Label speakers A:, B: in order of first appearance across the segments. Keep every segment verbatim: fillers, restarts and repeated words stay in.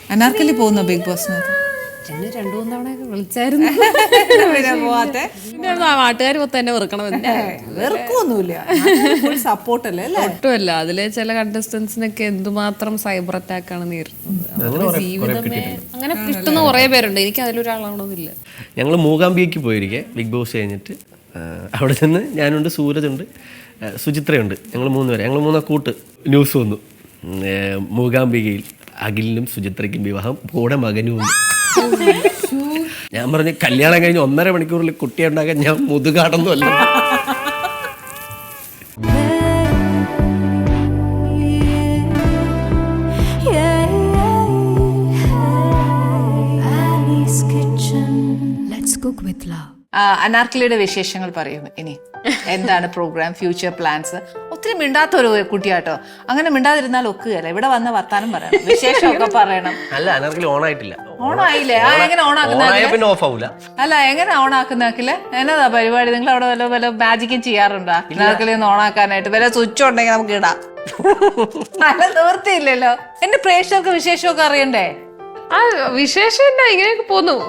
A: അനാർക്കലി പോകുന്ന ബിഗ് ബോസിനകത്ത്
B: എന്നെ രണ്ടു മൂന്ന് തവണയൊക്കെ വിളിച്ചായിരുന്നു.
A: പോവാത്തെ
B: നാട്ടുകാർ മൊത്തം എന്നെ വെറുക്കണമെന്ന്.
A: വെറുക്കൊന്നുമില്ല, സപ്പോർട്ടല്ലേ അല്ലേ?
B: ഒട്ടുമല്ല. അതിലെ ചില കണ്ടസ്റ്റൻസിനൊക്കെ എന്തുമാത്രം സൈബർ അറ്റാക്ക് ആണ് നേരിടുന്നത്. ജീവിതമേ അങ്ങനെ കിട്ടുന്ന കുറെ പേരുണ്ട്. എനിക്ക് അതിലൊരാളാവണമെന്നില്ല.
C: ഞങ്ങൾ മൂകാംബിയയ്ക്ക് പോയിരിക്കെ ബിഗ് ബോസ് കഴിഞ്ഞിട്ട് അവിടെ നിന്ന് ഞാനുണ്ട്, സൂരജുണ്ട്, സുചിത്രയുണ്ട്. ഞങ്ങൾ മൂന്ന് പേര്, ഞങ്ങൾ മൂന്നാ കൂട്ട്. ന്യൂസ് വന്നു, മൂകാംബികയിൽ അഖിലിനും സുചിത്രയ്ക്കും വിവാഹം, കൂടെ മകനും ഉണ്ട്. ഞാൻ പറഞ്ഞു കല്യാണം കഴിഞ്ഞ് ഒന്നര മണിക്കൂറിൽ കുട്ടിയെ ഉണ്ടാക്കാൻ ഞാൻ മുതുകാടൊന്നും അല്ല.
A: അനാർക്കലിയുടെ വിശേഷങ്ങൾ പറയും. ഇനി എന്താണ് പ്രോഗ്രാം, ഫ്യൂച്ചർ പ്ലാൻസ്? ഒത്തിരി മിണ്ടാത്ത ഒരു കുട്ടിയാട്ടോ. അങ്ങനെ മിണ്ടാതിരുന്നാൽ ഒക്കുകയല്ല. ഇവിടെ വന്ന വർത്താനം പറയണം, വിശേഷമൊക്കെ പറയണം.
C: അല്ല, അനാർക്കലി ഓൺ ആയിട്ടില്ല.
A: ഓണായില്ലേ? ആ, എങ്ങനെ ഓണാക്കുന്ന?
C: ഓഫ് ആവൂല.
A: അല്ല, എങ്ങനെ ഓണാക്കുന്നാക്കില്ലേ? എന്നതാ പരിപാടി? നിങ്ങൾ അവിടെ വല്ല വല്ല മാജിക്കും ചെയ്യാറുണ്ടോ അനാർക്കലി ഒന്ന് ഓണാക്കാനായിട്ട്? വല്ല സ്വിച്ച് ഉണ്ടെങ്കിൽ നമുക്ക് ഇടാം. അല്ല, നിവൃത്തിയില്ലല്ലോ. എന്റെ പ്രേക്ഷകർക്ക് വിശേഷമൊക്കെ അറിയണ്ടേ?
B: ആ വിശേഷമില്ല, ഇങ്ങനെയൊക്കെ പോന്നു.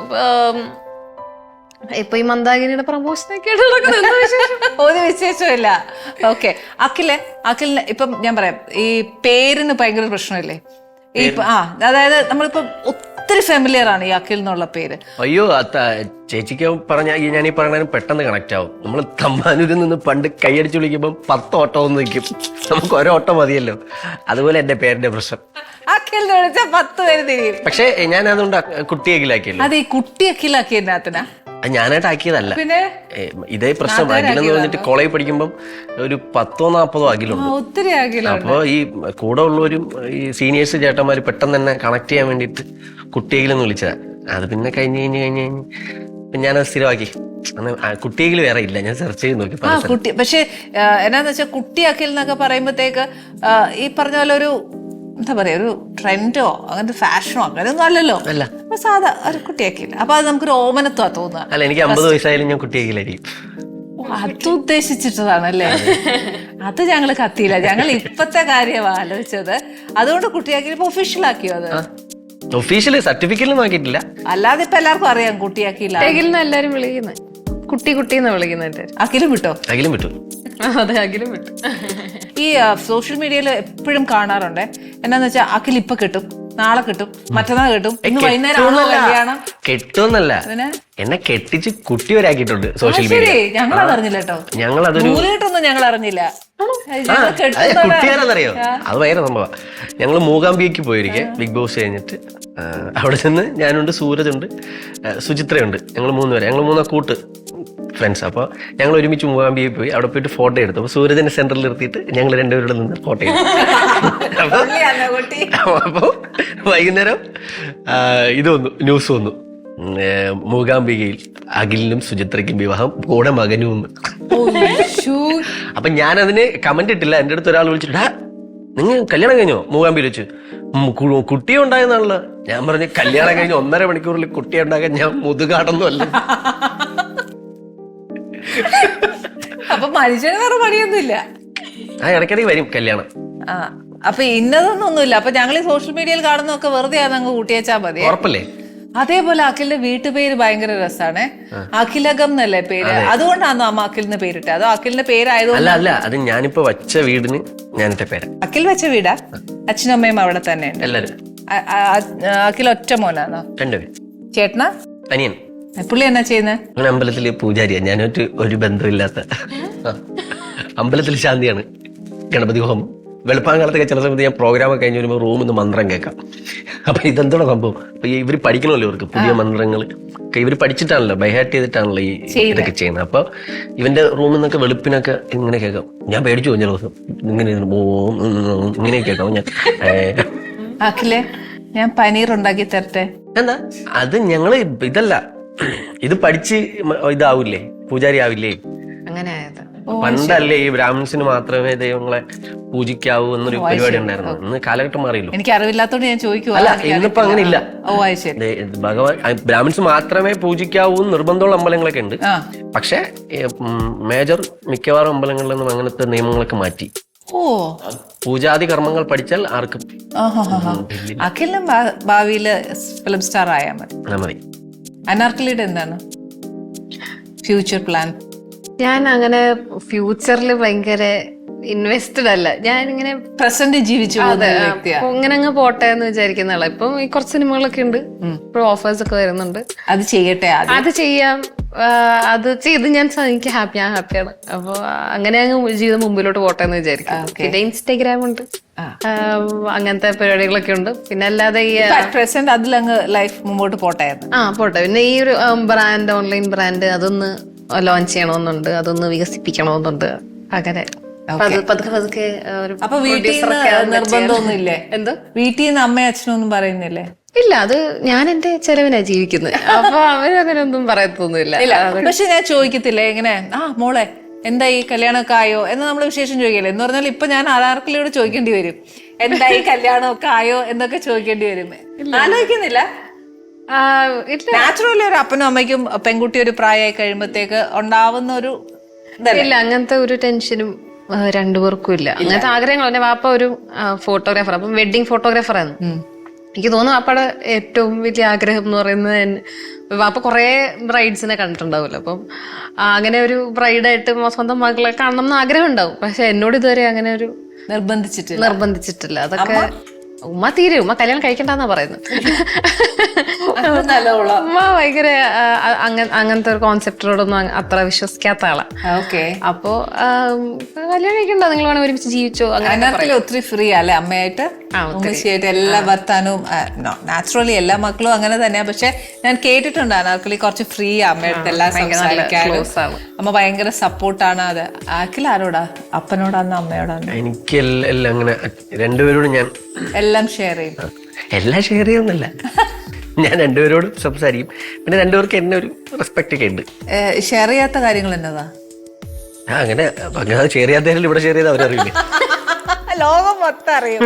B: ഇപ്പൊ ഈ മന്ദാകിനിയുടെ പ്രമോഷനൊക്കെ
A: ഒരു വിശേഷമില്ല. ഓക്കെ, അഖിലെ അഖിലിന് ഇപ്പം ഞാൻ പറയാം, ഈ പേരിന് ഭയങ്കര പ്രശ്നമില്ലേ? ഈ ആ അതായത് നമ്മളിപ്പം ഒത്തിരി ഫെമിലിയർ ആണ് ഈ അഖിൽ എന്നുള്ള പേര്.
C: അയ്യോ, ചേച്ചിക്ക് പറഞ്ഞ ഞാൻ ഈ പറഞ്ഞ പെട്ടെന്ന് കണക്ട് ആവും. നമ്മൾ തമ്മാനൂരിൽ നിന്ന് പണ്ട് കൈയടിച്ച് വിളിക്കുമ്പോൾ പത്ത് ഓട്ടം ഒന്ന് നിൽക്കും, നമുക്ക് ഒരോ ഓട്ടം മതിയല്ലോ. അതുപോലെ എന്റെ പേരിന്റെ പ്രശ്നം.
A: അഖിലിനെ വിളിച്ചാൽ പത്ത് പേര് തിരിയും.
C: പക്ഷെ ഞാൻ അതുകൊണ്ട് കുട്ടി അഖിലാക്കിയല്ലോ.
A: അത് ഈ കുട്ടി അഖിലാക്കിയതിനകത്തിനാ?
C: ഞാനായിട്ട് ആക്കിയതല്ല.
A: പിന്നെ
C: ഇതേ പ്രശ്നം അഖിലെന്ന് പറഞ്ഞിട്ട് കോളേജ് പഠിക്കുമ്പോൾ ഒരു പത്തോ നാപ്പതോ അഖിലുണ്ട്.
A: ഒത്തിരി അഖില.
C: അപ്പോൾ ഈ കൂടെ ഉള്ളവരും ഈ സീനിയേഴ്സ് ചേട്ടന്മാര് പെട്ടെന്ന് തന്നെ കണക്ട് ചെയ്യാൻ വേണ്ടിയിട്ട് കുട്ടിയെങ്കിലും വിളിച്ചതാ. അത് പിന്നെ കഴിഞ്ഞ് കഴിഞ്ഞ് കഴിഞ്ഞ് കഴിഞ്ഞ് ഞാനത് സ്ഥിരമാക്കി. കുട്ടിയെങ്കിലും വേറെ ഇല്ല, ഞാൻ സെർച്ച് ചെയ്ത് നോക്കി.
A: ആ കുട്ടി, പക്ഷെ എന്നാന്ന് വെച്ചാൽ കുട്ടി അഖിൽ എന്നൊക്കെ പറയുമ്പോഴത്തേക്ക് ഈ പറഞ്ഞ പോലെ ഒരു എന്താ പറയാ, ഒരു ട്രെൻഡോ അങ്ങനത്തെ ഫാഷനോ അങ്ങനെയൊന്നും അല്ലല്ലോ.
C: അല്ല,
A: സാധാ ഒരു കുട്ടിയാക്കില്ല. അപ്പൊ അത് നമുക്കൊരു ഓമനത്വ തോന്നുക.
C: അല്ല, എനിക്ക് അമ്പത് വയസ്സായാലും ഞാൻ കുട്ടിയാക്കില്ലായിരിക്കും.
A: അത് ഉദ്ദേശിച്ചിട്ടതാണല്ലേ? അത് ഞങ്ങള് കത്തിയില്ല, ഞങ്ങൾ ഇപ്പത്തെ കാര്യമാ ആലോചിച്ചത്. അതുകൊണ്ട് കുട്ടിയാക്കി ഇപ്പൊ ഒഫീഷ്യൽ ആക്കിയോ? അത്
C: ഒഫീഷ്യല് സർട്ടിഫിക്കറ്റ് നോക്കിയിട്ടില്ല.
A: അല്ലാതെ ഇപ്പൊ എല്ലാവർക്കും അറിയാം കുട്ടിയാക്കിയില്ല.
B: അഖിലിനെ എല്ലാരും വിളിക്കുന്നത് കുട്ടി കുട്ടി എന്ന് വിളിക്കുന്നത്.
A: അഖിലും വിട്ടോ?
C: അഖിലും വിട്ടു.
B: അതെ, അഖിലും വിട്ടു.
A: ഈ സോഷ്യൽ മീഡിയയിൽ എപ്പോഴും കാണാറുണ്ട്, എന്നാന്ന് വെച്ചാൽ അഖിൽ ഇപ്പൊ കിട്ടും, നാളെ കിട്ടും, മറ്റന്നാൾ കിട്ടും, ഇന്ന് വൈകുന്നേരം കല്യാണം.
C: കെട്ടുമെന്നല്ല, എന്നെ കെട്ടിച്ച് കുട്ടി വരാക്കിയിട്ടുണ്ട് സോഷ്യൽ മീഡിയ.
A: ഞങ്ങൾ അറിഞ്ഞില്ല കേട്ടോ.
C: ഞങ്ങൾ അതൊരു
A: കേട്ടൊന്നും ഞങ്ങൾ അറിഞ്ഞില്ല.
C: കുട്ടിയാരെന്നറിയോ? അത് ഭയങ്കര സംഭവം. ഞങ്ങൾ മൂകാംബിയയ്ക്ക് പോയിരിക്കെ ബിഗ് ബോസ് കഴിഞ്ഞിട്ട് അവിടെ നിന്ന് ഞാനുണ്ട്, സൂരജുണ്ട്, സുചിത്രയുണ്ട്. ഞങ്ങൾ മൂന്ന് പേര്, ഞങ്ങൾ മൂന്നാ കൂട്ട് ഫ്രണ്ട്സ്. അപ്പോൾ ഞങ്ങൾ ഒരുമിച്ച് മൂകാംബിയയിൽ പോയി. അവിടെ പോയിട്ട് ഫോട്ടോ എടുത്തു. അപ്പോൾ സൂരജിനെ സെന്ററിൽ നിർത്തിയിട്ട് ഞങ്ങൾ രണ്ടുപേരുടെ നിന്ന് ഫോട്ടോ എടുത്തു. അപ്പോൾ വൈകുന്നേരം ഇത് വന്നു, ന്യൂസ് വന്നു, മൂകാംബികയിൽ അഖിലിനും സുചിത്രയ്ക്കും വിവാഹം, കൂടെ മകനും ഒന്ന്. അപ്പൊ ഞാനതിന് കമന്റ് ഇട്ടില്ല. എൻ്റെ അടുത്ത് ഒരാൾ വിളിച്ചിട്ട്, നിങ്ങൾ കല്യാണം കഴിഞ്ഞോ മൂകാംബിയിൽ വെച്ച്? കുട്ടി ഉണ്ടായെന്നാണല്ലോ. ഞാൻ പറഞ്ഞു കല്യാണം കഴിഞ്ഞ് ഒന്നര മണിക്കൂറിൽ കുട്ടിയെ ഉണ്ടാക്കാൻ ഞാൻ മുതുകാടൊന്നും അല്ല.
A: അപ്പൊ മനുഷ്യന് വേറെ പണിയൊന്നുമില്ല.
C: ആ ഇടയ്ക്കിടയ്ക്ക് വരും കല്യാണം.
A: ആ അപ്പൊ ഇന്നതൊന്നൊന്നുമില്ല. അപ്പൊ ഞങ്ങൾ ഈ സോഷ്യൽ മീഡിയയിൽ കാണുന്നതൊക്കെ വെറുതെ അങ്ങ് കൂട്ടിയേച്ചാ മതി.
C: ഉറപ്പല്ലേ?
A: അതേപോലെ അഖിലിന്റെ വീട്ടുപേര് ഭയങ്കര രസാണ്, അഖിലകം എന്നല്ലേ പേര്. അതുകൊണ്ടാണോ അമ്മ അഖിലിന് പേരിട്ടത്? അതോ അഖിലിന്റെ പേരായതുകൊണ്ട്?
C: അല്ല അല്ല, അത് ഞാനിപ്പോ വച്ച വീടിന് ഞാനിട്ട പേര്.
A: അഖിൽ വെച്ച വീടാ? അച്ഛനും അമ്മയും അവിടെ തന്നെ ഉണ്ട്
C: എല്ലാരും?
A: അഖിൽ ഒറ്റ മോനാണോ?
C: രണ്ടുപേര്.
A: ചേട്ടനാ?
C: അനിയൻ.
A: പുള്ളി എന്നാ ചെയ്യുന്നത്?
C: അങ്ങനെ അമ്പലത്തില് പൂജാരിയാ. ഞാനൊരു ഒരു ബന്ധമില്ലാത്ത അമ്പലത്തിൽ ശാന്തിയാണ്, ഗണപതി ഹോമം. വെളുപ്പാങ്കാലത്തൊക്കെ ചില സമയത്ത് ഞാൻ പ്രോഗ്രാം ഒക്കെ കഴിഞ്ഞ് വരുമ്പോൾ റൂമിൽ നിന്ന് മന്ത്രം കേൾക്കാം. അപ്പൊ ഇതെന്തോടെ സംഭവം? അപ്പൊ ഇവർ പഠിക്കണമല്ലോ, ഇവർക്ക് പുതിയ മന്ത്രങ്ങൾ ഇവർ പഠിച്ചിട്ടാണല്ലോ, ബൈഹാർട്ട് ചെയ്തിട്ടാണല്ലോ ഈ ഇതൊക്കെ ചെയ്യുന്നത്. അപ്പൊ ഇവന്റെ റൂമിൽ നിന്നൊക്കെ വെളുപ്പിനൊക്കെ ഇങ്ങനെ കേൾക്കാം. ഞാൻ പേടിച്ചു പോയി ചില ദിവസം. ഇങ്ങനെ ഇങ്ങനെ കേൾക്കാം. ഞാൻ
A: അഖിലേ, ഞാൻ പനീർ ഉണ്ടാക്കി തരട്ടെ?
C: എന്താ അത്? ഞങ്ങള് ഇതല്ല, ഇത് പഠിച്ച് ഇതാവില്ലേ, പൂജാരി ആവില്ലേ?
B: അങ്ങനെ ആയത്
C: പണ്ടല്ലേ ഈ ബ്രാഹ്മിൻസിന് മാത്രമേ ദൈവങ്ങളെ പൂജിക്കാവൂ എന്നൊരു പരിപാടി ഉണ്ടായിരുന്നു. ഇന്ന് കാലഘട്ടം മാറിയല്ലോ.
A: എനിക്ക് അറിവില്ലാത്തോണ്ട് ഞാൻ ചോദിക്കുക.
C: അല്ല, ഇന്നിപ്പോ അങ്ങനെ ഇല്ല.
A: ഓ ശരി.
C: ഭഗവാൻ ബ്രാഹ്മിൻസ് മാത്രമേ പൂജിക്കാവൂ നിർബന്ധമുള്ള അമ്പലങ്ങളൊക്കെ ഉണ്ട്. പക്ഷെ മേജർ മിക്കവാറും അമ്പലങ്ങളിൽ നിന്നും അങ്ങനത്തെ നിയമങ്ങളൊക്കെ മാറ്റി.
A: ഓ
C: പൂജാതി കർമ്മങ്ങൾ പഠിച്ചാൽ ആർക്കും
A: ആഹാ. അഖിലിനും ഭാ- ഭാവിയില് ഫിലിം സ്റ്റാർ ആയാൽ മതി.
C: ആ, മതി.
A: അനാർക്കലിയുടെ എന്താണ് ഫ്യൂച്ചർ പ്ലാൻ?
B: ഞാൻ അങ്ങനെ ഫ്യൂച്ചറിൽ ഭയങ്കര ഇൻവെസ്റ്റഡ് അല്ല. ഞാൻ ഇങ്ങനെ
A: പ്രസന്റ് ജീവിച്ചു പോകുന്ന ഒരു വ്യക്തിയാ.
B: ഇങ്ങനെ അങ്ങ് പോട്ടെ എന്ന് വിചാരിക്കുന്ന ആളാ. ഇപ്പം ഈ കുറച്ച് സിനിമകളൊക്കെ ഉണ്ട്, ഇപ്പൊ ഓഫേഴ്സ് ഒക്കെ വരുന്നുണ്ട്.
A: അത് ചെയ്യട്ടെ ആദ്യം.
B: അത് ചെയ്യാം. ആ, അത് ചെയ്ത് ഞാൻ സ- എനിക്ക് ഹാപ്പി ഞാൻ ഹാപ്പിയാണ്. അപ്പൊ അങ്ങനെ അങ്ങ് ജീവിതം മുമ്പിലോട്ട് പോട്ടെ എന്ന് വിചാരിക്കും. പിന്നെ ഇൻസ്റ്റാഗ്രാം ഉണ്ട്,
A: ആ.
B: ആ, അങ്ങനത്തെ പരിപാടികളൊക്കെ ഉണ്ട്. പിന്നെ അല്ലാതെ ഈ
A: പ്രസന്റ് അതിലങ്ങ് ലൈഫ് മുമ്പോട്ട് പോട്ടെ.
B: ആ പോട്ടെ. പിന്നെ ഈ ഒരു ബ്രാൻഡ്, ഓൺലൈൻ ബ്രാൻഡ് അതൊന്ന് ലോഞ്ച് ചെയ്യണമെന്നുണ്ട്, അതൊന്ന് വികസിപ്പിക്കണമെന്നുണ്ട്. അങ്ങനെ പതു- പതുക്കെ പതുക്കെ ഒരു
A: അപ്പൊ വീട്ടിൽ
B: producer ഒക്കെ ആവുമ്പോ
A: നിർബന്ധമൊന്നും ഇല്ലേ?
B: എന്തോ
A: വീട്ടിൽ നിന്ന് അമ്മയും അച്ഛനും ഒന്നും പറയുന്നില്ലേ?
B: ഇല്ല, അത് ഞാൻ എന്റെ ചെലവിനാ ജീവിക്കുന്നത്. അപ്പൊ അവരങ്ങനെ ഒന്നും പറയത്തൊന്നുമില്ല.
A: പക്ഷെ ഞാൻ ചോദിക്കത്തില്ലേ ഇങ്ങനെ, ആ മോളെ എന്തായി കല്യാണമൊക്കെ ആയോ എന്ന് നമ്മൾ വിശേഷം ചോദിക്കല്ലേ? എന്ന് പറഞ്ഞാൽ ഇപ്പൊ ഞാൻ ആധാർക്കിലൂടെ ചോദിക്കേണ്ടി വരും, എന്തായി കല്യാണമൊക്കെ ആയോ എന്നൊക്കെ ചോദിക്കേണ്ടി വരും. ആലോചിക്കുന്നില്ല?
B: ആ, ഇല്ല
A: നാച്ചുറലി ഒരു അപ്പനും അമ്മയ്ക്കും പെൺകുട്ടി ഒരു പ്രായമായി കഴിയുമ്പോഴത്തേക്ക് ഉണ്ടാവുന്ന ഒരു ഇതല്ലേ?
B: ഇല്ല, അങ്ങനത്തെ ഒരു ടെൻഷനും ആ, രണ്ടുപേർക്കും ഇല്ല. അങ്ങനത്തെ ആഗ്രഹങ്ങൾ. എന്റെ വാപ്പ ഒരു ഫോട്ടോഗ്രാഫർ, അപ്പം വെഡിങ് ഫോട്ടോഗ്രാഫറാണ്. എനിക്ക് തോന്നുന്നു വാപ്പയുടെ ഏറ്റവും വലിയ ആഗ്രഹം എന്ന് പറയുന്നത് എൻ- വാപ്പ കുറെ ബ്രൈഡ്സിനെ കണ്ടിട്ടുണ്ടാവില്ല. അപ്പം ആ, അങ്ങനെ ഒരു ബ്രൈഡായിട്ട് സ്വന്തം മകളെ കാണണം എന്ന് ആഗ്രഹം ഉണ്ടാവും. പക്ഷെ എന്നോട് ഇതുവരെ അങ്ങനെ ഒരു
A: നിർബന്ധിച്ചിട്ടില്ല.
B: നിർബന്ധിച്ചിട്ടില്ല. അതൊക്കെ ഉമ്മ തീരെ ഉമ്മ കല്യാണം കഴിക്കണ്ടെന്നാ പറയുന്നത്. ഉമ്മ ഭയങ്കര ആ, അങ്ങ- അങ്ങനത്തെ ഒരു കോൺസെപ്റ്റിനോടൊന്നും അ- അത്ര വിശ്വസിക്കാത്ത ആളാ.
A: ഓക്കെ.
B: അപ്പോ ആം, കല്യാണം കഴിക്കണ്ട, നിങ്ങൾ വേണം ഒരുമിച്ച് ജീവിച്ചോ അങ്ങനെ.
A: അതിനകത്തിൽ ഒത്തിരി ഫ്രീ അല്ലെ അമ്മയായിട്ട്?
B: ആ,
A: ഉമ്മച്ചിയായിട്ട് എല്ലാ ഭർത്താനും നാച്ചുറലി എല്ലാ മക്കളും അങ്ങനെ തന്നെയാ. പക്ഷെ ഞാൻ കേട്ടിട്ടുണ്ട് അനാർക്കലി കുറച്ച് ഫ്രീ അമ്മയുടെ എല്ലാം സംസാരിക്കാനും.
B: close ആണ്.
A: അമ്മ ഭയങ്കര സപ്പോർട്ടാണ്. അത് ആക്കിൽ ആരോടാ? അപ്പനോടാന്ന് അമ്മയോടാന്ന്?
C: എനിക്ക് എല്ലാം എല്ലാം അങ്ങനെ രണ്ടുപേരോടും ഞാൻ
A: എല്ലാം ഷെയർ ചെയ്യും.
C: എല്ലാം ഷെയർ ചെയ്യുന്നില്ല. ഞാൻ രണ്ടുപേരോടും സംസാരിക്കും. പിന്നെ രണ്ടുപേർക്ക് എന്നെ ഒരു റെസ്പെക്ട് ഒക്കെ ഉണ്ട്.
A: ഷെയർ ചെയ്യാത്ത കാര്യങ്ങൾ എന്നതാ?
C: ആ, അങ്ങനെ അങ്ങനെ ഷെയർ ചെയ്യാത്തതിൽ ഇവിടെ ഷെയർ ചെയ്ത് അവരറിയില്ലേ?
A: ലോകം മൊത്തം അറിയും.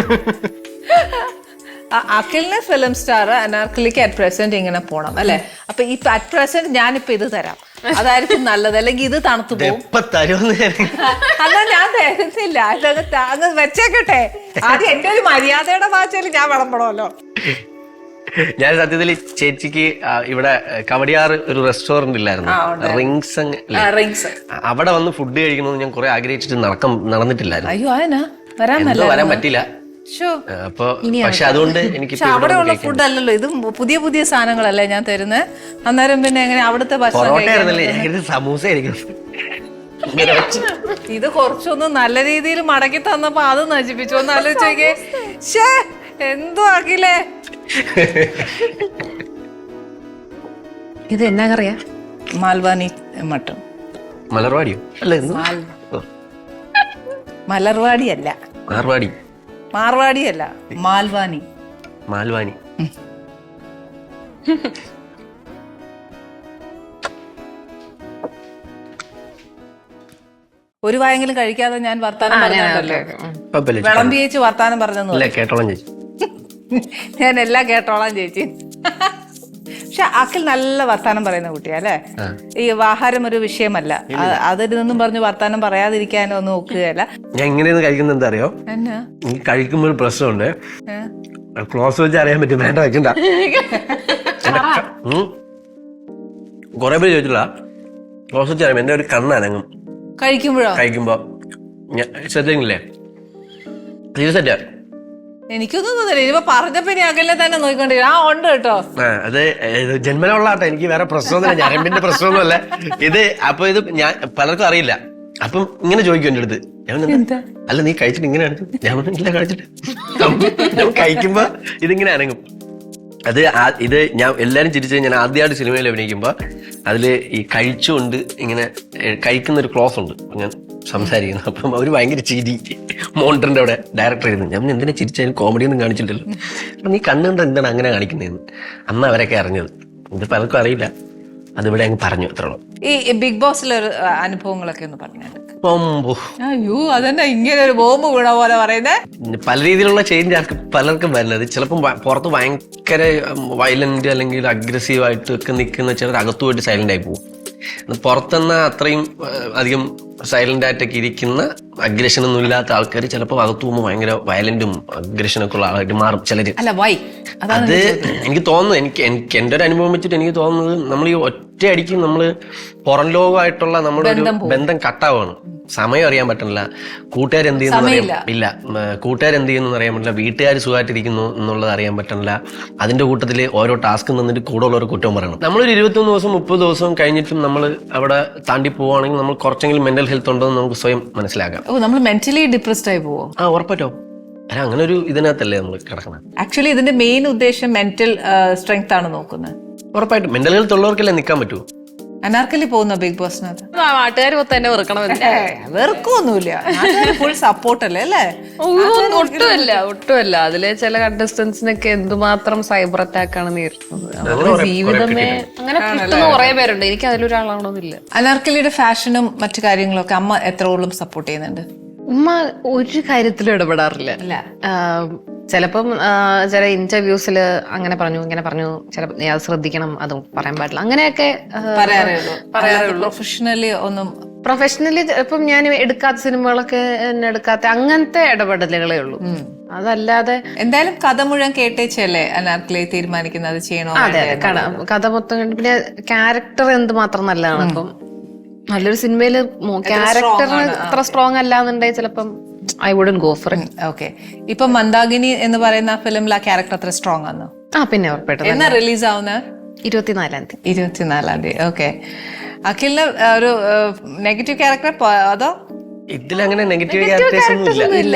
A: അഖിലിന് ഫിലിം സ്റ്റാർ, അനാർക്കലിക്ക് അറ്റ് പ്രസന്റ് ഇങ്ങനെ പോണം അല്ലെ? അപ്പൊ ഈ അറ്റ് പ്രസന്റ് ഞാനിപ്പോ ഇത് തരാം, അതായിരിക്കും നല്ലത്. അല്ലെങ്കിൽ ഇത് തണുത്തു പോകും.
C: എപ്പ തരുമെന്ന് ഞാൻ
A: അതാ ഞാൻ തരുന്നില്ല. അതങ്ങ് ത- അങ്ങ് വെച്ചേക്കട്ടെ. ആദ്യം എന്റെ ഒരു മര്യാദയുടെ ഭാഷയിൽ ഞാൻ വിളമ്പണമല്ലോ.
C: ഞാൻ സത്യത്തിൽ ചേച്ചിക്ക് ആ, ഇവിടെ കവടിയാറ് ഒരു റെസ്റ്റോറന്റ് ഇല്ലായിരുന്നു, റിങ്സ്
A: റിങ്സ്.
C: അവിടെ വന്ന് ഫുഡ് കഴിക്കണമെന്ന് ഞാൻ കുറെ ആഗ്രഹിച്ചിട്ട് നടക്കം നടന്നിട്ടില്ലായിരുന്നു.
A: അയ്യോ അതിനാ വരാൻ
C: എന്തോ വരാൻ പറ്റില്ല.
A: ഷോ.
C: അപ്പൊ പക്ഷെ അതുകൊണ്ട് എനിക്ക്
A: പക്ഷെ അവിടെ ഉള്ള ഫുഡ് അല്ലല്ലോ ഇത്. പുതിയ പുതിയ സാധനങ്ങളല്ലേ ഞാൻ തരുന്നത്. അന്നേരം പിന്നെ എങ്ങനെ അവിടുത്തെ ഭക്ഷണം
C: പൊറോട്ട
A: കഴിക്കാൻ?
C: ആയിരുന്നല്ലേ, ഞാൻ ഇത് സമൂസ ആയിരിക്കും.
A: ഇത് കുറച്ചൊന്ന് നല്ല രീതിയിൽ മടക്കി തന്നപ്പോ അത് നശിപ്പിച്ചു. ഒന്ന് ആലോചിച്ചേ. ഷേ എന്തോ ആക്കില്ലേ.
B: ഇത് എന്നാ കറിയാ?
A: മാൽവാനി മട്ടൺ.
C: മലർവാടിയോ? അല്ല എന്ത്? ഓ,
A: മലർവാടി അല്ല,
C: മാർവാടി,
A: മാർവാടി അല്ല, മാൽവാനി.
C: മാൽവാനി.
A: ഒരു വായെങ്കിലും കഴിക്കാതെ ഞാൻ വർത്താനം പറഞ്ഞല്ലോ.
C: കുഴപ്പമില്ല,
A: വിളമ്പി ചേച്ചി വർത്താനം പറഞ്ഞെന്ന്
C: അല്ല കേട്ടോളാം ചേച്ചി.
A: ഞാൻ എല്ലാം കേട്ടോളാം ചേച്ചി. പക്ഷെ അഖിൽ നല്ല വർത്താനം പറയുന്ന കുട്ടിയാ അല്ലെ? ഈ ആഹാരം ഒരു വിഷയമല്ല. അ- അതിൽ നിന്നും പറഞ്ഞ് വർത്താനം പറയാതിരിക്കാനോ ഒന്നും നോക്കുകയല്ല.
C: ഞാൻ ഇങ്ങനെയൊന്ന് കഴിക്കുന്നത് എന്താ അറിയോ?
A: എന്നാ
C: എനിക്ക് കഴിക്കുമ്പോൾ ഒരു പ്രശ്നമുണ്ട്.
A: ഏ?
C: ക്ലോസ് വെച്ച് അറിയാൻ പറ്റും. വേണ്ട വെക്കണ്ട. കൊറേ പേര് ചോദിച്ചില്ല, ക്ലോസ് വെച്ച് അറിയാം. എന്റെ ഒരു കണ്ണനങ്ങും
A: കഴിക്കുമ്പോഴോ?
C: കഴിക്കുമ്പോ ശ്രദ്ധിക്കില്ലേ? തീർച്ചയായിട്ടും
A: എനിക്കൊന്നും തോന്നില്ല. ഇനിയിപ്പോ പറഞ്ഞപ്പോ ഇനി അകലെ തന്നെ നോക്കിക്കൊണ്ടിരിക്കും. ആ ഉണ്ട് കേട്ടോ.
C: ആ, അത് ഇത് ജന്മനമുള്ളാട്ടെ. എനിക്ക് വേറെ പ്രശ്നമൊന്നുമില്ല, ഞരമ്പിന്റെ പ്രശ്നമൊന്നുമല്ല ഇത്. അപ്പൊ ഇത് ഞാൻ പലർക്കും അറിയില്ല. അപ്പം ഇങ്ങനെ ചോദിക്കും എന്റെ അടുത്ത്. ഞാൻ പറഞ്ഞു, അല്ല നീ കഴിച്ചിട്ട് ഇങ്ങനെ അനക്കും? ഞാൻ പറഞ്ഞു, ഇല്ല കഴിച്ചിട്ട്. ഞാൻ കഴിക്കുമ്പോ ഇതിങ്ങനെ അനങ്ങും. അത് ആ- ഇത് ഞാൻ എല്ലാരും ചിരിച്ചത് ഞാൻ ആദ്യമായിട്ട് സിനിമയിൽ അഭിനയിക്കുമ്പോ അതില് ഈ കഴിച്ചുകൊണ്ട് ഇങ്ങനെ ഏഹ്, കഴിക്കുന്ന ഒരു ക്ലോസ് ഉണ്ട് ഞാൻ സംസാരിക്കുന്നത്. അപ്പം അവര് ഭയങ്കര ചിരി. മോണ്ടറിന്റെ അവിടെ ഡയറക്ടർ ആയിരുന്നു. ഞാൻ പറഞ്ഞു, എന്തിനാ ചിരിച്ചാലും കോമഡി ഒന്നും കാണിച്ചില്ലല്ലോ. അപ്പൊ നീ കണ്ണുകൊണ്ട് എന്താണ് അങ്ങനെ കാണിക്കുന്നതെന്ന് അന്ന് അവരൊക്കെ അറിഞ്ഞത്. ഇത് പലർക്കും അറിയില്ല. അതിവിടെ അങ്ങ് പറഞ്ഞു അത്രയുള്ളൂ.
A: ഈ ബിഗ് ബോസിലെ ഒരു ആ, അനുഭവങ്ങളൊക്കെ ഒന്ന് പറഞ്ഞു.
C: പൊമ്പോ.
A: അയ്യോ അതെന്നെ ഇങ്ങനെ ഒരു ബോംബ് വീണ പോലെ പറയുന്നേ.
C: പല രീതിയിലുള്ള ചേഞ്ച് ആർക്ക് പലർക്കും വരുന്നത്. ചിലപ്പം ഭ- പുറത്ത് ഭയങ്കര വയലന്റ് അല്ലെങ്കിൽ അഗ്രസീവ് ആയിട്ട് ഒക്കെ നിൽക്കുന്ന ചിലർ അകത്തു പോയിട്ട് സൈലന്റ് ആയി പോകും. പുറത്തുനിന്ന് അത്രയും ഏഹ്, അധികം സൈലന്റ് ആയിട്ടൊക്കെ ഇരിക്കുന്ന അഗ്രഷൻ ഒന്നും ഇല്ലാത്ത ആൾക്കാർ ചിലപ്പോൾ അകത്തു പോകുമ്പോൾ ഭയങ്കര വയലന്റും അഗ്രഷനൊക്കെ ഉള്ള ആളായിട്ട് മാറും ചിലര്.
A: അല്ല വൈ അതാണ്
C: അത് എനിക്ക് തോന്നുന്നു, എനിക്ക് എനിക്ക് എൻ്റെ ഒരു അനുഭവം വെച്ചിട്ട് എനിക്ക് തോന്നുന്നത് നമ്മൾ ഈ ഒറ്റ അടിക്ക് നമ്മൾ പുറം ലോകമായിട്ടുള്ള നമ്മുടെ ഒരു ബന്ധം കട്ടാവാണ്. സമയം അറിയാൻ പറ്റണില്ല, കൂട്ടുകാരെന്ത് ചെയ്യുന്നു അറിയാൻ ഇല്ല, കൂട്ടുകാരെന്ത് ചെയ്യുന്നു അറിയാൻ പറ്റില്ല, വീട്ടുകാർ സുഖമായിട്ടിരിക്കുന്നു എന്നുള്ളത് അറിയാൻ പറ്റണില്ല. അതിന്റെ കൂട്ടത്തിൽ ഓരോ ടാസ്ക് നിന്നിട്ട് കൂടെ ഉള്ളവർ കുറ്റം പറയണം. നമ്മളൊരു ഇരുപത്തൊന്ന് ദിവസം മുപ്പത് ദിവസം കഴിഞ്ഞിട്ടും നമ്മൾ അവിടെ താണ്ടി പോവുകയാണെങ്കിൽ നമ്മൾ കുറച്ചെങ്കിലും മെന്റൽ ഹെൽത്ത് ഉണ്ടോ എന്ന് നമുക്ക് സ്വയം മനസ്സിലാക്കാം.
A: ഓ നമ്മൾ മെന്റലി ഡിപ്രസ്ഡ് ആയി പോവോ?
C: ആ ഉറപ്പറ്റോ. അല്ല അങ്ങനെ ഒരു ഇതിനകത്തല്ലേ നമ്മൾ കിടക്കണം.
A: ആക്ച്വലി ഇതിന്റെ മെയിൻ ഉദ്ദേശം മെന്റൽ സ്ട്രെങ്ത് ആണ് നോക്കുന്നത്.
C: ഉറപ്പായിട്ടും മെന്റൽ ഹെൽത്ത് ഉള്ളവർക്കല്ലേ നിൽക്കാൻ പറ്റൂ.
A: അനാർക്കലി പോകുന്ന ബിഗ് ബോസിനകത്ത്
B: നാട്ടുകാർ മൊത്തം തന്നെ വെറുക്കണമെന്നില്ല.
A: വെറുക്കൊന്നുമില്ല, ഫുൾ സപ്പോർട്ട് അല്ലേ അല്ലേ?
B: ഒട്ടുമല്ല ഒട്ടുമല്ല. അതിലെ ചില കണ്ടസ്റ്റൻസിനൊക്കെ എന്തുമാത്രം സൈബർ അറ്റാക്ക് ആണ് നേരിടുന്നത്. ജീവിതമേ അങ്ങനെ കിട്ടുന്ന കുറെ പേരുണ്ട്. എനിക്ക് അതിലൊരാളാണോന്നില്ല.
A: അനാർക്കലിയുടെ ഫാഷനും മറ്റു കാര്യങ്ങളൊക്കെ അമ്മ എത്രയോളം സപ്പോർട്ട് ചെയ്യുന്നുണ്ട്?
B: ഉമ്മ ഒരു കാര്യത്തിലും ഇടപെടാറില്ല. ചിലപ്പം ചില ഇന്റർവ്യൂസിൽ അങ്ങനെ പറഞ്ഞു ഇങ്ങനെ പറഞ്ഞു, ചിലപ്പോൾ നീ അത് ശ്രദ്ധിക്കണം, അത് പറയാൻ പാടില്ല, അങ്ങനെയൊക്കെ
A: പറയാറുള്ളൂ. പ്രൊഫഷണലി ഒന്നും
B: പ്രൊഫഷണലി ഇപ്പം ഞാൻ എടുക്കാത്ത സിനിമകളൊക്കെ എന്നെ എടുക്കാത്ത അങ്ങനത്തെ ഇടപെടലുകളേ ഉള്ളൂ. അതല്ലാതെ
A: എന്തായാലും കഥ മുഴുവൻ കേട്ടേച്ചല്ലേ അനാർക്കലി തീരുമാനിക്കുന്നത് ചെയ്യണോ?
B: അതെ കഥ മൊത്തം കണ്ട് പിന്നെ ക്യാരക്ടർ എന്തുമാത്രം നല്ലതാണ്. അപ്പം നല്ലൊരു സിനിമയില് ക്യാരക്ടർ അത്ര സ്ട്രോങ് അല്ലാന്നുണ്ടെങ്കിൽ ചിലപ്പം I wouldn't go for it.
A: Okay, ഇപ്പൊ മന്ദാകിനി എന്ന് പറയുന്ന ഫിലിമിൽ ആ ക്യാരക്ടർ അത്ര സ്ട്രോങ് ആണോ?
B: ആ പിന്നെ ഉറപ്പായിട്ടും.
A: എന്നാ റിലീസ് ആവുന്ന?
B: ഇരുപത്തിനാലാം തീയതി.
A: ഇരുപത്തിനാലാം തീയതി. ഓക്കെ, അഖിലിന് ഒരു നെഗറ്റീവ് ക്യാരക്ടർ അതോ?
C: ഇതിലങ്ങനെ നെഗറ്റീവ് ക്യാരക്ടേഴ്സ് ഒന്നും ഇല്ല.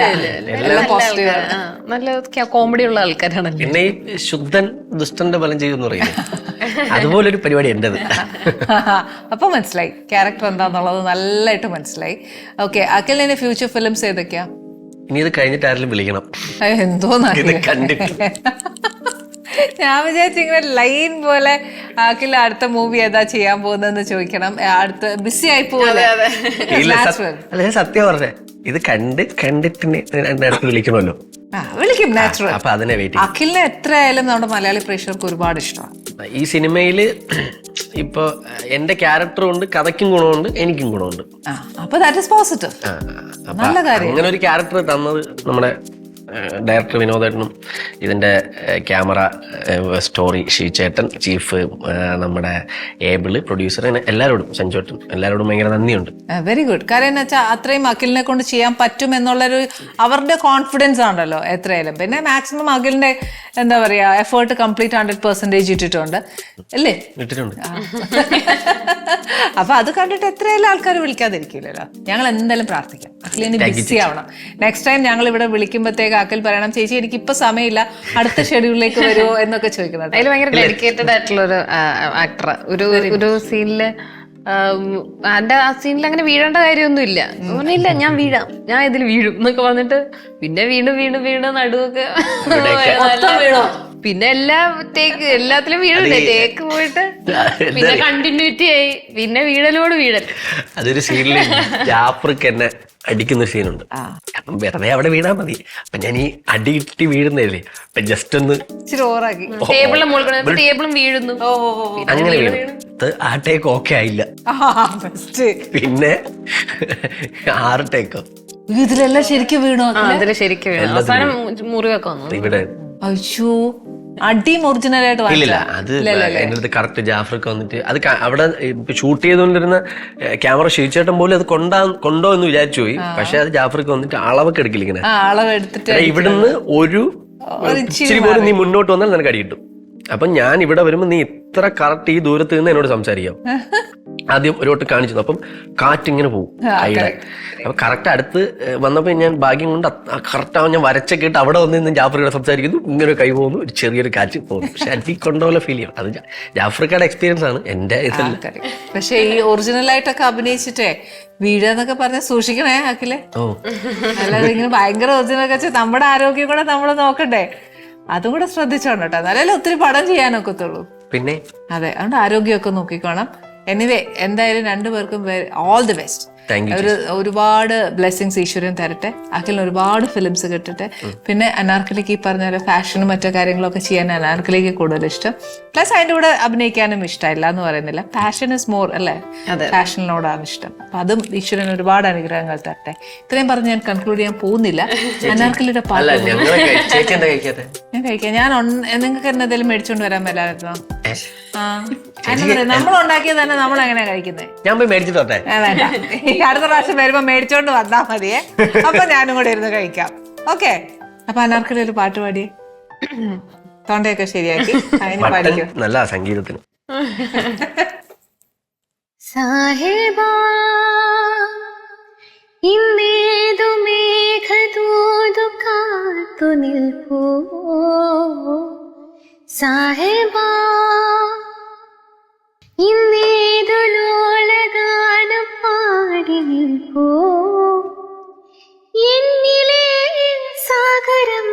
B: നല്ല കോമഡി ഉള്ള ആൾക്കാരാണല്ലോ.
C: പിന്നെ ഈ ശുദ്ധൻ ദുഷ്ടന്റെ ഫലം ചെയ്യുമെന്ന് പറയുന്നത് അതുപോലൊരു പരിപാടി എന്റേത്.
A: അപ്പൊ മനസ്സിലായി ക്യാരക്ടർ എന്താന്നുള്ളത് നല്ലതായിട്ട് മനസ്സിലായി. ഓക്കെ, അഖിലിന്റെ ഫ്യൂച്ചർ ഫിലിംസ് ഏതൊക്കെയാ?
C: ഇനി ഇത് കഴിഞ്ഞിട്ട് ആരെങ്കിലും വിളിക്കണം.
A: എന്തോന്നാ
C: കണ്ടിട്ട്
A: ഞാൻ വിചാരിച്ചു ഇങ്ങനെ ലൈൻ പോലെ അഖിൽ അടുത്ത മൂവി ഏതാ ചെയ്യാൻ പോകുന്നതെന്ന് ചോദിക്കണം. അടുത്ത ബിസി ആയി പോലെ.
C: അല്ല ഞാൻ സത്യം പറഞ്ഞേ, ഇത് കണ്ട് കണ്ടിട്ട് രണ്ടടുത്ത് വിളിക്കണമല്ലോ.
A: വിളിക്കും നാച്ചുറൽ.
C: അപ്പൊ അതിനെ വെയിറ്റ്.
A: അഖിലിനെ എത്രയായാലും നമ്മുടെ മലയാളി പ്രേക്ഷകർക്ക് ഒരുപാട് ഇഷ്ടമാണ്.
C: ഈ സിനിമയില് ഇപ്പൊ എന്റെ ക്യാരക്ടറും ഉണ്ട്, കഥയ്ക്കും ഗുണമുണ്ട്, എനിക്കും ഗുണമുണ്ട്.
A: അപ്പൊ ദാറ്റ് ഈസ് പോസിറ്റീവ്. നല്ല കാര്യം.
C: അങ്ങനെ ഒരു ക്യാരക്ടർ തന്നത് നമ്മുടെ ഡയറക്ടർ വിനോദേട്ടനും ഇതിന്റെ ക്യാമറ സ്റ്റോറി ഷീചേട്ടൻ, ചീഫ് നമ്മുടെ ഏബിള്, പ്രൊഡ്യൂസർ, അങ്ങനെ എല്ലാവരോടും, സഞ്ജോട്ടൻ, എല്ലാവരോടും ഭയങ്കര നന്ദിയുണ്ട്. Very
A: good. കാര്യം എന്ന് വെച്ചാൽ അത്രയും അഖിലിനെ കൊണ്ട് ചെയ്യാൻ പറ്റും എന്നുള്ളൊരു അവരുടെ കോൺഫിഡൻസ് ആണല്ലോ എത്രയായാലും. പിന്നെ മാക്സിമം അഖിലിന്റെ എന്താ പറയാ എഫേർട്ട് കംപ്ലീറ്റ് ഹൺഡ്രഡ് പെർസെന്റേജ് ഇട്ടിട്ടുണ്ട് അല്ലേ?
C: ഇട്ടിട്ടുണ്ട്.
A: അപ്പൊ അത് കണ്ടിട്ട് എത്രയായാലും ആൾക്കാർ വിളിക്കാതിരിക്കില്ലല്ലോ. ഞങ്ങൾ എന്തായാലും പ്രാർത്ഥിക്കാം അഖിലിന് ബിസി ആവണം. നെക്സ്റ്റ് ടൈം ഞങ്ങൾ ഇവിടെ വിളിക്കുമ്പോഴത്തേക്ക് അഖിൽ പറയണം, ചേച്ചി എനിക്ക് ഇപ്പൊ സമയമില്ല, അടുത്ത ഷെഡ്യൂളിലേക്ക് വരുമോ എന്നൊക്കെ ചോദിക്കുന്നത്.
B: അതിൽ ഭയങ്കര ഡെഡിക്കേറ്റഡ് ആയിട്ടുള്ള ഒരു ആക്ടർ. ഒരു ഒരു സീനില് എന്റെ ആ സീനിൽ അങ്ങനെ വീഴേണ്ട കാര്യമൊന്നും ഇല്ല. ഇല്ല ഞാൻ വീഴാം, ഞാൻ ഇതിൽ വീഴും എന്നൊക്കെ പറഞ്ഞിട്ട് പിന്നെ വീണ്ടും വീണ്ടും വീണ്ടും നടുവൊക്കെ പിന്നെ എല്ലാ ടേക്ക് എല്ലാത്തിലും വീഴണ്ടേ, ടേക്ക് പോയിട്ട് പിന്നെ കണ്ടിന്യൂറ്റി ആയി, പിന്നെ വീഴലോട് വീഴൽ.
C: അതൊരു സീനിൽ ജാഫർക്ക് എന്നെ അടിക്കുന്ന സീനുണ്ട്. അപ്പം വെറുതെ അവിടെ വീണാ മതി. അപ്പൊ ഞാൻ ഈ അടിയിട്ടി വീഴുന്നതല്ലേ, അപ്പൊ ജസ്റ്റ് ഒന്ന്
B: ടേബിളിലും മുകളിൽ ടേബിളും വീഴുന്നു,
C: അങ്ങനെ വീണു. ആ ടേക്ക് ഓക്കെ ആയില്ല, പിന്നെ ആറ് ടേക്കോ
A: ഇതിലെല്ലാം ശരിക്കും വീണോ?
B: അതില് ശരിക്കും വീണു. അവസാനം മുറിവൊക്കെ വന്നു
C: ഇവിടെ.
A: അയ്യോ, അടിയും ഒറിജിനൽ ആയിട്ട്
C: ഇല്ലില്ല. അത് എന്റെ അടുത്ത് കറക്റ്റ് ജാഫർക്ക് വന്നിട്ട് അത് അവിടെ ഷൂട്ട് ചെയ്തുകൊണ്ടിരുന്ന ക്യാമറ ഷീച്ചേട്ടൻ പോലും അത് കൊണ്ടാ കൊണ്ടോ എന്ന് വിചാരിച്ചു പോയി. പക്ഷെ അത് ജാഫർക്ക് വന്നിട്ട് അളവൊക്കെ എടുക്കില്ല. ഇങ്ങനെ
A: അളവെടുത്തിട്ട്
C: ഇവിടുന്ന് ഒരു ഇച്ചിരി പോലും നീ മുന്നോട്ട് വന്നാൽ നിനക്ക് അടി കിട്ടും. അപ്പൊ ഞാൻ ഇവിടെ വരുമ്പോ നീ ഇത്ര കറക്റ്റ് ഈ ദൂരത്ത് നിന്ന് എന്നോട് സംസാരിക്കാം. ആദ്യം ഒരു വട്ടം കാണിച്ചു, അപ്പം കാറ്റിങ്ങനെ പോകും കൈയുടെ. അപ്പൊ കറക്റ്റ് അടുത്ത് വന്നപ്പോ ഞാൻ ഭാഗ്യം കൊണ്ട് കറക്റ്റ് ആവും, ഞാൻ വരച്ചൊക്കെ ഇട്ട് അവിടെ വന്ന് നിന്ന് ജാഫ്രിക്കയുടെ സംസാരിക്കുന്നു, ഇങ്ങനെ കൈ പോകുന്നു, ഒരു ചെറിയൊരു കാറ്റ് പോകുന്നു. പക്ഷെ അടി കൊണ്ടോലെ ഫീൽ ചെയ്യും. അത് ജാഫ്രിക്കയുടെ എക്സ്പീരിയൻസ് ആണ്, എന്റെ ഇതല്ല.
A: പക്ഷെ ഈ ഒറിജിനൽ ആയിട്ടൊക്കെ അഭിനയിച്ചിട്ടേ വീഴാന്നൊക്കെ പറഞ്ഞ സൂക്ഷിക്കണേ അഖിലേ.
C: ഓ
A: അല്ലാതെ ഇങ്ങനെ ഭയങ്കര ഒറിജിനൽ ഒക്കെ വെച്ചാൽ നമ്മുടെ ആരോഗ്യം കൂടെ നമ്മൾ നോക്കണ്ടേ, അതും കൂടെ ശ്രദ്ധിച്ചോണം കേട്ടോ. എന്നാലല്ലേ ഒത്തിരി പടം ചെയ്യാനൊക്കത്തുള്ളൂ.
C: പിന്നെ
A: അതെ, അതുകൊണ്ട് ആരോഗ്യമൊക്കെ നോക്കിക്കോണം. എനിവേ എന്തായാലും രണ്ടുപേർക്കും all the best.
C: Thank you
A: ഒരു ഒരുപാട് ബ്ലെസ്സിങ്സ് ഈശ്വരൻ തരട്ടെ. അഖിലിന് ഒരുപാട് ഫിലിംസ് കിട്ടട്ടെ. പിന്നെ അനാർക്കലിക്ക് ഈ പറഞ്ഞ പോലെ ഫാഷനും മറ്റു കാര്യങ്ങളൊക്കെ ചെയ്യാൻ അനാർക്കലിക്ക് കൂടുതൽ ഇഷ്ടം. പ്ലസ് അതിൻ്റെ കൂടെ അഭിനയിക്കാനും ഇഷ്ടമില്ല എന്ന് പറയുന്നില്ല. പാഷൻ ഇസ് മോർ അല്ലേ, ഫാഷനിനോടാണ് ഇഷ്ടം. അപ്പൊ അതും ഈശ്വരൻ ഒരുപാട് അനുഗ്രഹങ്ങൾ തരട്ടെ. ഇത്രയും പറഞ്ഞ് ഞാൻ കൺക്ലൂഡ് ചെയ്യാൻ പോകുന്നില്ല. അനാർക്കലിയുടെ പാട്ട് ഞാൻ കഴിക്കാം. ഞാൻ നിങ്ങൾക്ക് എന്തെങ്കിലും മേടിച്ചോണ്ട് വരാൻ മേലായിരുന്നോ? ആ നമ്മൾ ഉണ്ടാക്കിയത് തന്നെ നമ്മൾ എങ്ങനെയാ കഴിക്കുന്നത്?
C: ഞാൻ പോയി മേടിച്ചിട്ടോട്ടെ.
A: വേണ്ട, അടുത്ത പ്രാവശ്യം വരുമ്പോ മേടിച്ചോണ്ട് വന്നാ മതിയേ. അപ്പൊ ഞാനും കൂടെ ഇരുന്ന് കഴിക്കാം. ഓക്കെ. അപ്പൊ അനാർക്കലി ഒരു പാട്ട് പാടിയേ. തൊണ്ടയൊക്കെ ശരിയാക്കി അതിന് പാടിക്കും.
C: നല്ല സംഗീതത്തിന്.
D: സാഹിബാ ഇന്നേതു മേഘദൂതു കാത്തു നിൽപ്പൂ സാഹിബാ ഇന്നേതു ലോലഗാനം പാടി നിൽപ്പൂ എന്നിലെ സാഗരം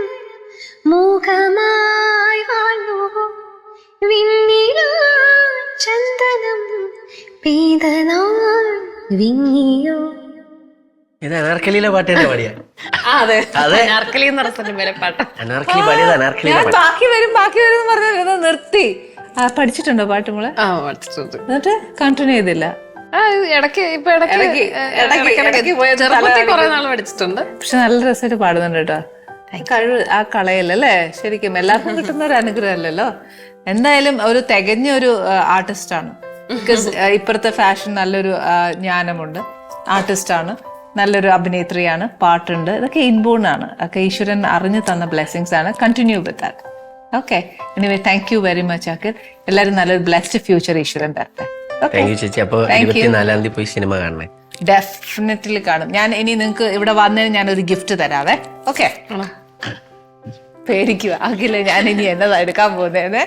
D: മൂകമായി വാഴൂ വിണ്ണിലാ ചന്ദനം പെയ്തനാൾ വിങ്ങിയോ.
C: ഇത് അനാർക്കലിയിലെ പാട്ട് തന്നെ പാടിയ.
B: അതെ
C: അതെ,
B: അനാർക്കലി എന്ന് പറഞ്ഞ സിനിമയിലെ പാട്ട്.
C: അനാർക്കലി പാടിയത് അനാർക്കലിയിലെ
A: ഞാൻ
C: പാട്ട്.
A: ബാക്കി വരും ബാക്കി വരും എന്ന് പറഞ്ഞത് നിർത്തി. ആ പഠിച്ചിട്ടുണ്ടോ പാട്ട് മോളെ?
B: ആ പഠിച്ചിട്ടുണ്ട്.
A: എന്നിട്ട് കണ്ടിന്യൂ ചെയ്തില്ല?
B: ആ ഇടയ്ക്ക് ഇപ്പൊ ഇടയ്ക്ക്
A: ഇടയ്ക്ക്, ഇടയ്ക്ക്, ഇടയ്ക്ക് പോയി
B: ചെറുപ്പത്തിൽ കുറെ നാൾ പഠിച്ചിട്ടുണ്ട്.
A: പക്ഷെ നല്ല രസമായിട്ട് പാടുന്നുണ്ട് കേട്ടോ. കഴിവ് ആ കളയല്ലല്ലേ, ശരിക്കും എല്ലാവർക്കും കിട്ടുന്ന ഒരു അനുഗ്രഹം അല്ലല്ലോ. എന്തായാലും ഒരു തികഞ്ഞ ഒരു ആർട്ടിസ്റ്റ് ആണ്. ബിക്കോസ് ഇപ്പോഴത്തെ ഫാഷൻ നല്ലൊരു ആ, ജ്ഞാനമുണ്ട്. ആർട്ടിസ്റ്റ് ആണ്, നല്ലൊരു അഭിനേത്രിയാണ്, പാട്ടുണ്ട്. ഇതൊക്കെ ഇൻബോൺ ആണ്. ഒക്കെ ഈശ്വരൻ അറിഞ്ഞു തന്ന ബ്ലെസ്സിങ്സ് ആണ്. Continue with that. Okay. Anyway thank you very much Akhil. എല്ലാവരും നല്ലൊരു ബ്ലെസ്ഡ് ഫ്യൂച്ചർ ഈശ്വരൻ തരട്ടെ.
C: താങ്ക് യു ചേച്ചി. അപ്പൊ ഇരുപത്തിനാലാം തീയതി പോയി സിനിമ കാണണേ.
A: ഡെഫിനറ്റ്ലി കാണും. ഞാൻ ഇനി നിങ്ങൾക്ക് ഇവിടെ വന്നതിന് ഞാനൊരു ഗിഫ്റ്റ് തരാവേ. ഓക്കെ. പേടിക്കുക അഖില, ഞാൻ ഇനി എന്നതാ എടുക്കാൻ പോകുന്നേന്ന്.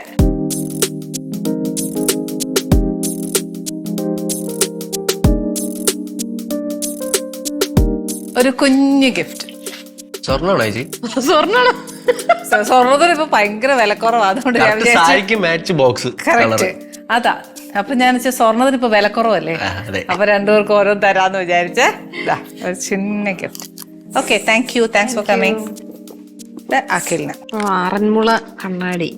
A: ഒരു കുഞ്ഞു ഗിഫ്റ്റ്.
C: സ്വർണ്ണമാണോ ചേച്ചി?
B: സ്വർണ്ണ
A: സ്വർണ്ണത്തിന് ഇപ്പൊ ഭയങ്കര വിലക്കുറവാ, അതുകൊണ്ട് ഞാൻ വിചാരിച്ചു
C: സാരിക്ക് മാച്ച് ബോക്സ്.
A: കറക്റ്റ് അതാ. അപ്പൊ ഞാൻ വെച്ചാൽ സ്വർണ്ണത്തിന് ഇപ്പൊ വിലക്കുറവല്ലേ, അപ്പൊ രണ്ടുപേർക്ക് ഓരോ തരാന്ന് വിചാരിച്ചേ. ഒരു ചിന്ന gift. Okay. Thank you. Thanks for coming. അഖിലിന്
B: ആറന്മുള കണ്ണാടി.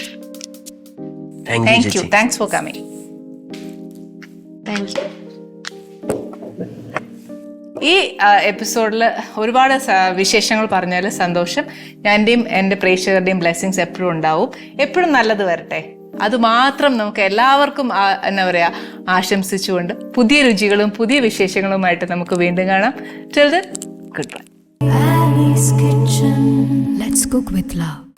A: Thank you. Thanks for coming.
B: Thank you.
A: ഈ എപ്പിസോഡിൽ ഒരുപാട് സ- വിശേഷങ്ങൾ പറഞ്ഞാൽ സന്തോഷം. ഞാൻ്റെയും എൻ്റെ പ്രേക്ഷകരുടെയും ബ്ലെസ്സിങ്സ് എപ്പോഴും ഉണ്ടാവും. എപ്പോഴും നല്ലത് വരട്ടെ, അത് മാത്രം നമുക്ക് എല്ലാവർക്കും ആ- എന്താ പറയുക ആശംസിച്ചുകൊണ്ട് പുതിയ രുചികളും പുതിയ വിശേഷങ്ങളുമായിട്ട് നമുക്ക് വീണ്ടും കാണാം. Till then good bye.
E: Ali's Kitchen. Let's cook with love.